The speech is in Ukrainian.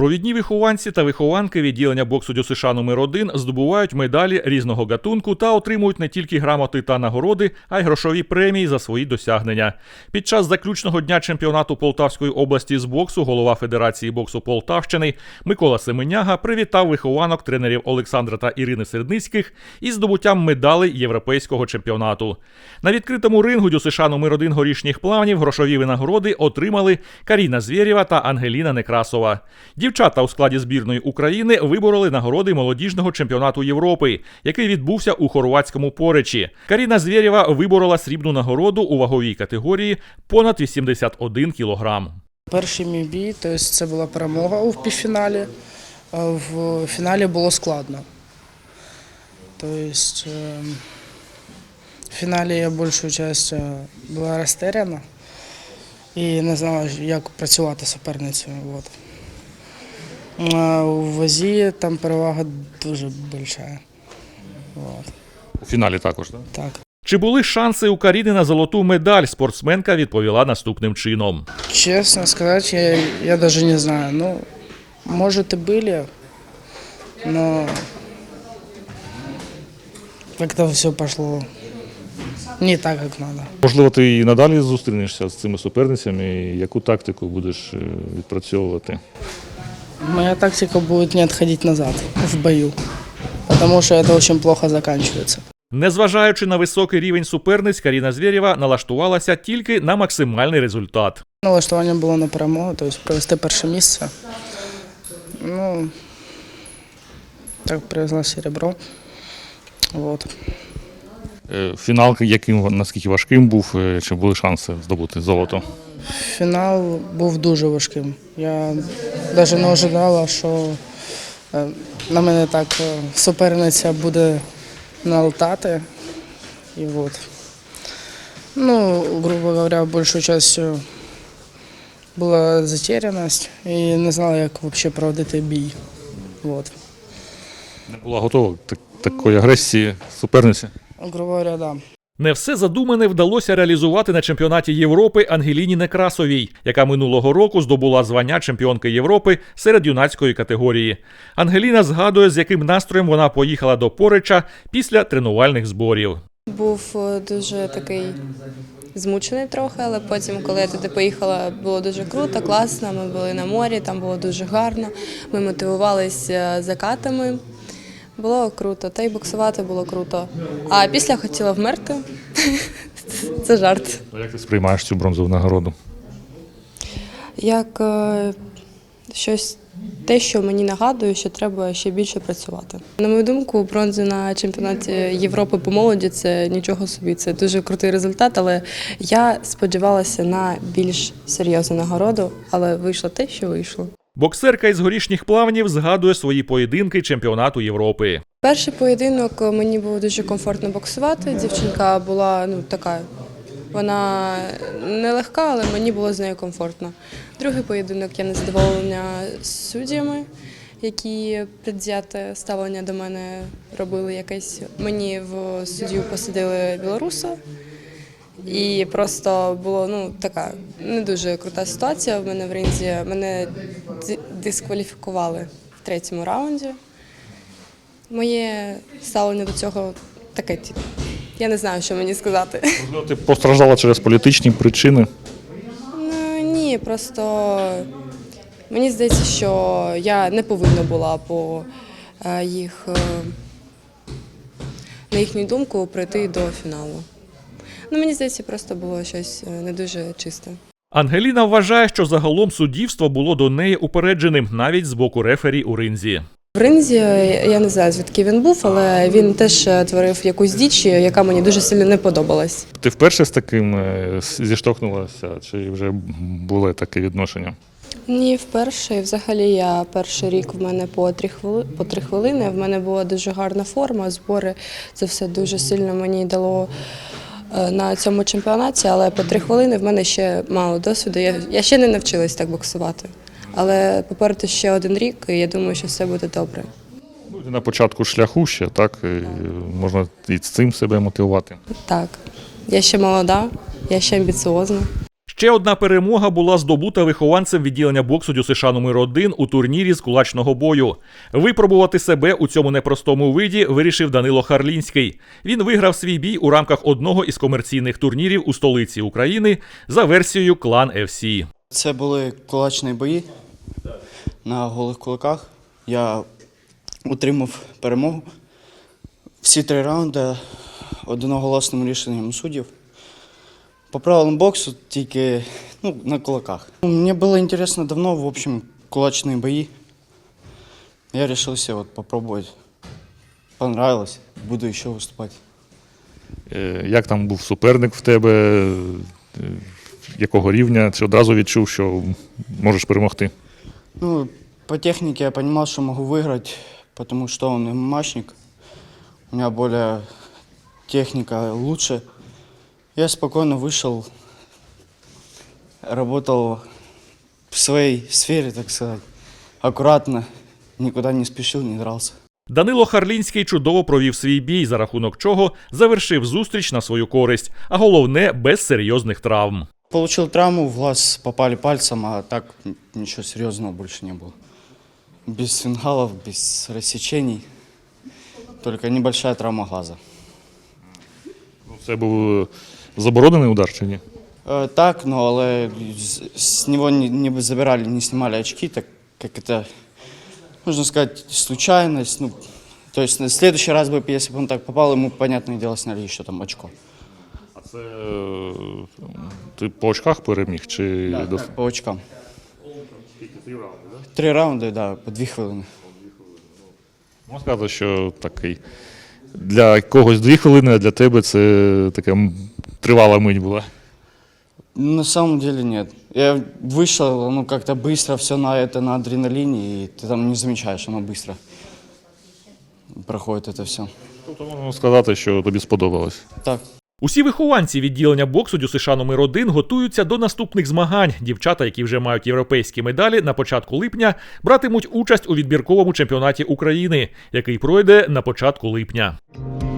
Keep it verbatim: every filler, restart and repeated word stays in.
Провідні вихованці та вихованки відділення боксу ДЮСШ номер один здобувають медалі різного гатунку та отримують не тільки грамоти та нагороди, а й грошові премії за свої досягнення. Під час заключного дня чемпіонату Полтавської області з боксу голова Федерації боксу Полтавщини Микола Семеняга привітав вихованок тренерів Олександра та Ірини Сердницьких із здобуттям медалей європейського чемпіонату. На відкритому рингу ДЮСШ номер один Горішніх Плавнів грошові винагороди отримали Каріна Звєрєва та Ангеліна Некрасова. Дівчата у складі збірної України вибороли нагороди молодіжного чемпіонату Європи, який відбувся у хорватському Поречі. Каріна Звєрєва виборола срібну нагороду у ваговій категорії понад вісімдесят один кілограм. Перший мій бій, тобто це була перемога у півфіналі, а в фіналі було складно. Тобто в фіналі я більшу частину була розтеряна і не знала, як працювати з суперницею. От. А у вазі там перевага дуже велика. От. У фіналі також, так? Так. Чи були шанси у Каріни на золоту медаль? Спортсменка відповіла наступним чином. Честно сказать, я, я даже не знаю. Ну, может и были, но как-то все пошло не так, как надо. Можливо, ти і надалі зустрінешся з цими суперницями, і яку тактику будеш відпрацьовувати? Моя тактика будет не отходить назад в бою, потому что это очень плохо заканчивается. Незважаючи на високий рівень суперниць, Каріна Звєрєва налаштувалася тільки на максимальний результат. Налаштування було на перемогу, тобто привезти перше місце. Ну, так привезла серебро. Вот. Фінал, яким, наскільки важким був, чи були шанси здобути золото? Фінал був дуже важким. Я навіть не очікувала, що на мене так суперниця буде налетати. І от. Ну, грубо говоря, большую частью була затеряність і не знала, як взагалі проводити бій. От. Не була готова до такої агресії суперниці? Грубо говоря, да. Не все задумане вдалося реалізувати на чемпіонаті Європи Ангеліні Некрасовій, яка минулого року здобула звання чемпіонки Європи серед юнацької категорії. Ангеліна згадує, з яким настроєм вона поїхала до Пореча після тренувальних зборів. Був дуже такий змучений трохи, але потім, коли я туди поїхала, було дуже круто, класно, ми були на морі, там було дуже гарно, ми мотивувалися закатами. Було круто, та й боксувати було круто. А після хотіла вмерти. Це жарт. А як ти сприймаєш цю бронзову нагороду? Як е, щось, те, що мені нагадує, що треба ще більше працювати. На мою думку, бронза на чемпіонаті Європи по молоді – це нічого собі, це дуже крутий результат, але я сподівалася на більш серйозну нагороду, але вийшло те, що вийшло. Боксерка із Горішніх Плавнів згадує свої поєдинки чемпіонату Європи. Перший поєдинок мені було дуже комфортно боксувати. Дівчинка була ну така, вона нелегка, але мені було з нею комфортно. Другий поєдинок я незадоволена суддями, які предвзяте ставлення до мене робили якесь. Мені в суддю посадили білоруса. І просто була ну, така не дуже крута ситуація в мене в ринзі. Мене дискваліфікували в третьому раунді. Моє ставлення до цього таке, я не знаю, що мені сказати. Можливо, ти постраждала через політичні причини? Ну, ні, просто мені здається, що я не повинна була по їх, на їхню думку, прийти до фіналу. Ну, мені здається, просто було щось не дуже чисте. Ангеліна вважає, що загалом суддівство було до неї упередженим, навіть з боку рефері у ринзі. В ринзі, я не знаю, звідки він був, але він теж творив якусь діч, яка мені дуже сильно не подобалась. Ти вперше з таким зіштовхнулася, чи вже було таке відношення? Ні, вперше. Взагалі я перший рік в мене по три хвилини, по три хвилини. В мене була дуже гарна форма, збори. Це все дуже сильно мені дало на цьому чемпіонаті, але по три хвилини в мене ще мало досвіду. Я, я ще не навчилась так боксувати. Але попереду ще один рік, і я думаю, що все буде добре. Ну, на початку шляху ще, так, і можна і з цим себе мотивувати. Так, я ще молода, я ще амбіціозна. Ще одна перемога була здобута вихованцем відділення боксу ДЮСШ номер один у турнірі з кулачного бою. Випробувати себе у цьому непростому виді вирішив Данило Харлінський. Він виграв свій бій у рамках одного із комерційних турнірів у столиці України за версією Клан еф сі. Це були кулачні бої на голих кулаках. Я отримав перемогу. Всі три раунди одноголосним рішенням суддів. По правилам боксу тільки ну, на кулаках. Мені було цікаво давно, в общем, кулачні бої. Я вирішив вот, попробувати. Понравилось, буду ще виступати. Е, Як там був суперник в тебе? Е, Якого рівня? Чи одразу відчув, що можеш перемогти? Ну, по технике я понимал, что могу выиграть, потому что он ММАшник. У меня более техника лучше. Я спокойно вышел, работал в своей сфере, так сказать, аккуратно, никуда не спешил, не дрался. Данило Харлінський чудово провів свій бій, за рахунок чого завершив зустріч на свою користь, а головне – без серйозних травм. Получил травму, в глаз попали пальцем, а так ничего серьезного больше не было. Без фингалов, без рассечений, только небольшая травма глаза. Це був заборонений удар чи ні? Э, Так, но але з- с него не, не забирали, не снимали очки, так как это, можно сказать, случайность. Ну, то есть на следующий раз бы, если бы он так попал, ему, понятное дело, сняли еще там очко. А це е, ти по очках переміг? Чи Да, до- так, по очкам. Три раунди, да, по дві хвилини. Можна сказати, що такий для когось дві хвилини, а для тебе це така м, тривала мить була. На самом деле нет. Я вышел, ну, как-то быстро все на это, на адреналине, и ты там не замечаешь, оно быстро проходит это все. Тобто можна сказати, що тобі сподобалось. Так. Усі вихованці відділення боксу ДЮСШ номер один готуються до наступних змагань. Дівчата, які вже мають європейські медалі, на початку липня братимуть участь у відбірковому чемпіонаті України, який пройде на початку липня.